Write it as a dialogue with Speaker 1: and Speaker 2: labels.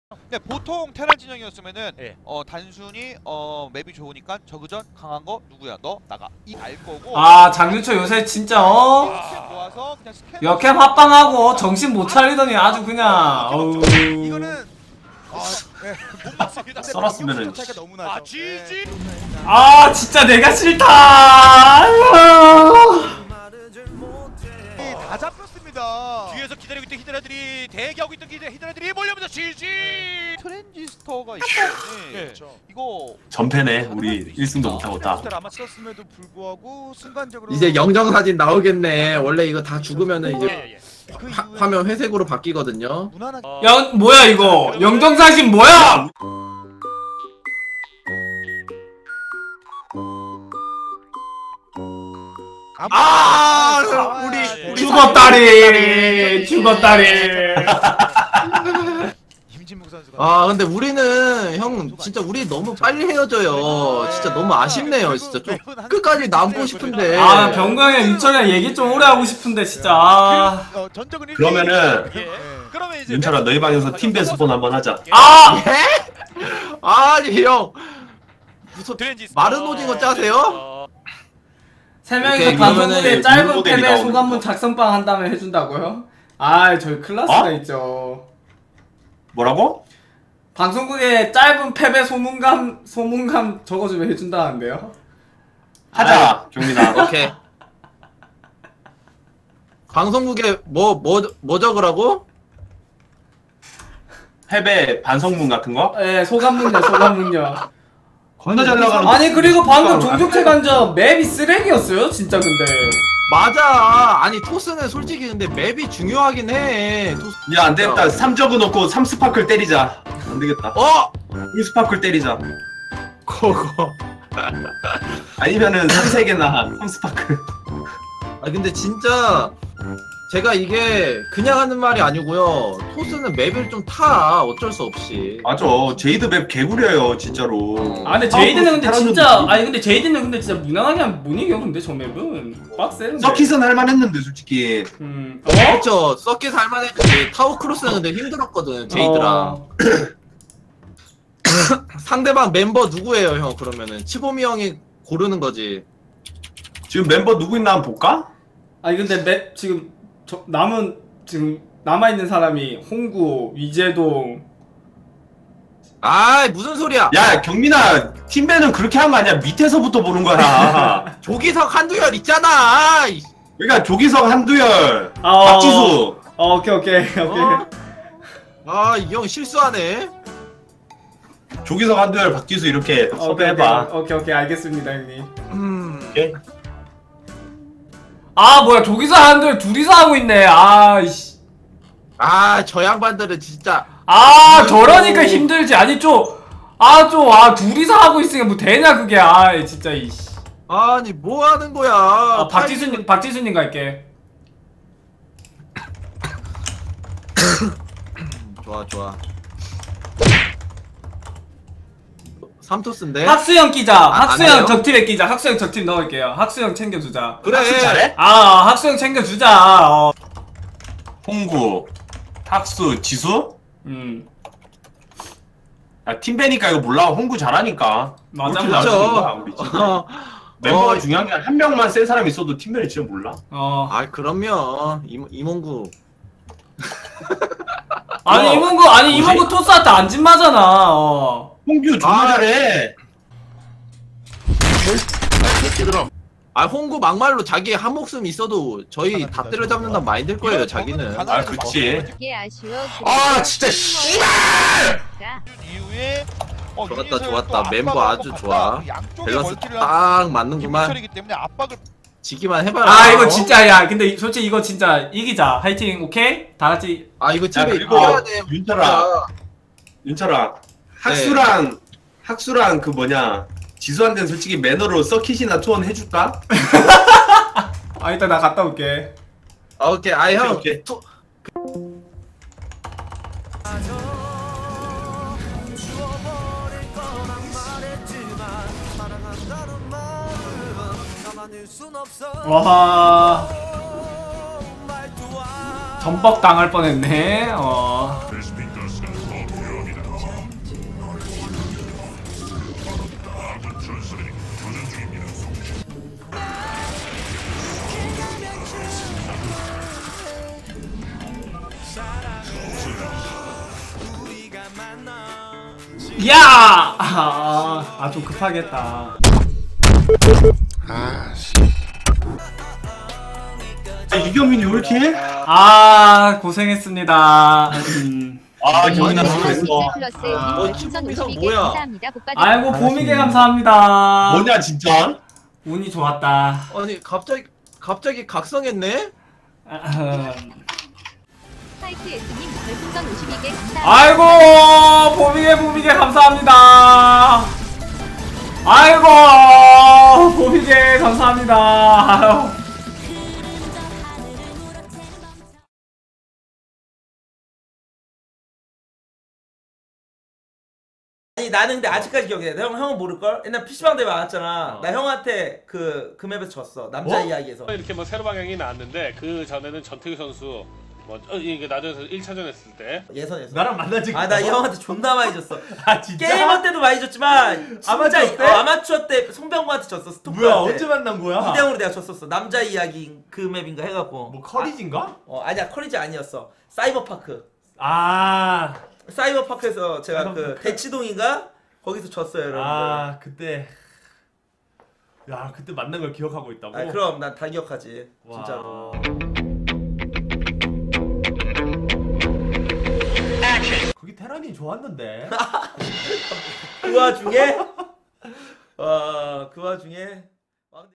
Speaker 1: 근데 보통 테란 진영이었으면은
Speaker 2: 예.
Speaker 1: 단순히 맵이 좋으니까 저그전 강한 거 누구야 너 나가 이 알 거고.
Speaker 3: 아 장윤철 요새 진짜
Speaker 1: 모아서 그냥 스캔
Speaker 3: 역캠 합방하고 정신 못 차리더니 아주 그냥 어우.
Speaker 2: 이거는 네, 못 맞습니다.
Speaker 4: 썰었으면은
Speaker 2: 차이가 너무 나죠.
Speaker 1: 아 지지.
Speaker 3: 아 진짜 내가 싫다.
Speaker 2: 다 잡혔습니다.
Speaker 1: 뒤에서 기다리고 있던 히드라들이 대기하고 있던 히드라들이 몰려오면서 지지. 트랜지스터가 있기 때문에
Speaker 2: 그렇죠.
Speaker 1: 이거
Speaker 4: 전패네. 우리 1승도 못하고 딱.
Speaker 2: 아마 썼음에도 불구하고 순간적으로
Speaker 5: 이제 영정사진 나오겠네. 원래 이거 다 죽으면은 이제
Speaker 1: 예.
Speaker 2: 그
Speaker 5: 화면 회색으로 바뀌거든요.
Speaker 2: 무난하게
Speaker 3: 야 뭐야 이거 영정사진 뭐야?
Speaker 5: 우리
Speaker 3: 죽었다리 죽었다리.
Speaker 2: 임진묵 선수가
Speaker 5: 아 근데 우리는 형 진짜 우리 너무 빨리 헤어져요. 진짜 너무 아쉽네요. 진짜 좀 끝까지 남고 싶은데.
Speaker 3: 아 병광이랑 윤철이랑 얘기 좀 오래 하고 싶은데 진짜. 아.
Speaker 2: 전적은
Speaker 4: 그러면은
Speaker 1: 예. 그러면 이제
Speaker 4: 윤철아 너희 방에서 팀배 스폰 한번 하자.
Speaker 3: 아!
Speaker 5: 예? 아니 형 무슨
Speaker 1: 트랜지스터
Speaker 5: 마른 오징어 짜세요?
Speaker 3: 세 명이서
Speaker 5: 오케이,
Speaker 3: 방송국에
Speaker 5: 그러면은
Speaker 3: 짧은
Speaker 4: 모델이
Speaker 3: 패배
Speaker 4: 나오는
Speaker 3: 소감문 작성방 한 다음에 해준다고요? 아 저희 클라스가 있죠.
Speaker 4: 뭐라고?
Speaker 3: 방송국에 짧은 패배 소문감 적어주면 해준다는데요?
Speaker 4: 하자 경민아.
Speaker 5: 오케이. 방송국에 뭐 적으라고?
Speaker 4: 패배 반성문 같은 거?
Speaker 3: 예, 소감문요, 소감문요.
Speaker 4: 겁나 잘 나가는.
Speaker 3: 아니 그리고 방금 종족체 간접 맵이 쓰레기였어요, 진짜 근데.
Speaker 5: 맞아. 아니 토스는 솔직히 근데 맵이 중요하긴 해. 토스.
Speaker 4: 야 안되겠다. 3적어 놓고 3스파클 때리자. 안되겠다. 1스파클 때리자.
Speaker 5: 그거.
Speaker 4: 아니면은 3세개나 3스파클.
Speaker 5: 아 근데 진짜 제가 이게 그냥 하는 말이 아니고요. 토스는 맵을 좀 타. 어쩔 수 없이.
Speaker 4: 맞아. 제이드 맵 개구려요 진짜로.
Speaker 3: 아 근데 제이드는 근데
Speaker 4: 사람들
Speaker 3: 진짜
Speaker 4: 뭐-
Speaker 3: 아니 근데 제이드는 근데 진짜 무난하게 하면 못 이겨 근데 저 맵은 빡세.
Speaker 4: 서킷은 할만했는데 솔직히.
Speaker 5: 그렇죠. 서킷 할만했지. 타워 크로스는 근데 힘들었거든. 제이드랑. 상대방 멤버 누구예요, 형? 그러면은 치보미 형이 고르는 거지.
Speaker 4: 지금 멤버 누구 있나 한번 볼까?
Speaker 3: 아니 근데 맵 지금 지금 남아 있는 사람이 홍구, 위재동.
Speaker 5: 아, 무슨 소리야?
Speaker 4: 야 경민아 팀배는 그렇게 한 거 아니야. 밑에서부터 보는 거야.
Speaker 5: 조기석 한두열 있잖아.
Speaker 4: 그러니까 조기석 한두열
Speaker 3: 아,
Speaker 4: 박지수.
Speaker 3: 오케이.
Speaker 5: 아, 이 형 실수하네.
Speaker 4: 조기석 한두열 박지수 이렇게 섭외해봐.
Speaker 3: 오케이 알겠습니다 형님.
Speaker 4: 오케이?
Speaker 3: 아 뭐야 조기사 한들 둘이서 하고 있네. 아이씨.
Speaker 5: 아, 저 양반들은 진짜.
Speaker 3: 아 저러니까 힘들지. 아니 둘이서 하고 있으니까 뭐 되냐 그게. 아 진짜 이씨.
Speaker 5: 아니, 뭐 하는 거야?
Speaker 3: 아 박지수님 갈게.
Speaker 5: 좋아. 삼토스인데.
Speaker 3: 학수형 끼자.
Speaker 5: 안
Speaker 3: 학수형
Speaker 5: 해요?
Speaker 3: 적팀에 끼자. 학수형 적팀 넣을게요. 학수형 챙겨주자.
Speaker 5: 그래.
Speaker 4: 학수 잘해?
Speaker 3: 아 학수형 챙겨주자.
Speaker 4: 홍구 탁수 지수? 아 팀배니까 이거 몰라. 홍구 잘하니까.
Speaker 3: 맞아,
Speaker 4: 그렇게
Speaker 3: 맞아.
Speaker 4: 잘하는 거야, 우리 진짜. 멤버가 중요한 게 한 명만 센 사람 있어도 팀배는 진짜 몰라.
Speaker 5: 아, 그럼요. 이몽구.
Speaker 3: 아니 이몽구 토스한테 안 진마잖아.
Speaker 4: 홍규 존나 잘해.
Speaker 5: 아, 홍구 막말로 자기 한 목숨 있어도 저희 다 때려잡는단 마인드일 거예요, 자기는.
Speaker 4: 아 그치.
Speaker 6: 아
Speaker 4: 진짜
Speaker 6: 씨발!
Speaker 1: 이후에
Speaker 5: 좋았다. 멤버 아주 좋아. 밸런스 딱 맞는구만.
Speaker 1: 이기 때문에 압박을
Speaker 5: 지기만 해봐라.
Speaker 3: 아 이거 진짜 야 근데 솔직히 이거 진짜 이기자. 화이팅. 오케이? 다 같이.
Speaker 5: 아, 이거
Speaker 4: 야
Speaker 5: 집에
Speaker 4: 그리고
Speaker 5: 이겨야 돼.
Speaker 4: 윤철아
Speaker 5: 네.
Speaker 4: 학수랑 그 뭐냐 지수한테는 솔직히 매너로 서킷이나 투원 해줄까?
Speaker 3: 아 일단 나 갔다 올게.
Speaker 5: 아, 오케이. 아, 형.
Speaker 4: 오케이.
Speaker 3: 와 전복 당할 뻔했네. 야! 좀 급하겠다.
Speaker 4: 이경민이 왜 이렇게 해?
Speaker 3: 고생했습니다.
Speaker 4: 경민아 수고했어.
Speaker 5: 친구 뭐야?
Speaker 3: 아이고 보미게 감사합니다.
Speaker 4: 뭐냐 진짜?
Speaker 3: 운이 좋았다.
Speaker 5: 아니 갑자기 각성했네?
Speaker 6: 화이트 S님 별풍선 52개 감사합니다.
Speaker 3: 아이고 보미게 감사합니다. 아이고 보미게 감사합니다. 아유.
Speaker 7: 아니 나는 근데 아직까지 기억해. 형은 모를걸? 옛날 PC방 대회 나왔잖아. 나 형한테 그 맵에서 졌어. 남자 이야기에서.
Speaker 8: 이렇게 뭐 새로 방향이 나왔는데 그 전에는 전태규 선수 이게 나중에서 1차전 했을 때
Speaker 7: 예선에서.
Speaker 2: 나랑 만난 적이
Speaker 7: 나 이 형한테 존나 많이 졌어.
Speaker 2: 진짜?
Speaker 7: 게이머 때도 많이 졌지만
Speaker 2: 아마추어 때?
Speaker 7: 아마추어 때 송병구한테 졌어. 스토퍼한테.
Speaker 2: 뭐야 언제 만난 거야?
Speaker 7: 2대0으로 내가 졌었어. 남자 이야기 그 맵인가 해갖고.
Speaker 2: 뭐 커리진가?
Speaker 7: 아니야 커리지 아니었어. 사이버파크. 사이버파크에서 제가 그 대치동인가 거기서 졌어요 여러분들.
Speaker 2: 그때 그때 만난 걸 기억하고 있다고?
Speaker 7: 그럼 난 다 기억하지. 진짜로.
Speaker 2: 거기 테란이 좋았는데.
Speaker 7: 그 와중에 그 와중에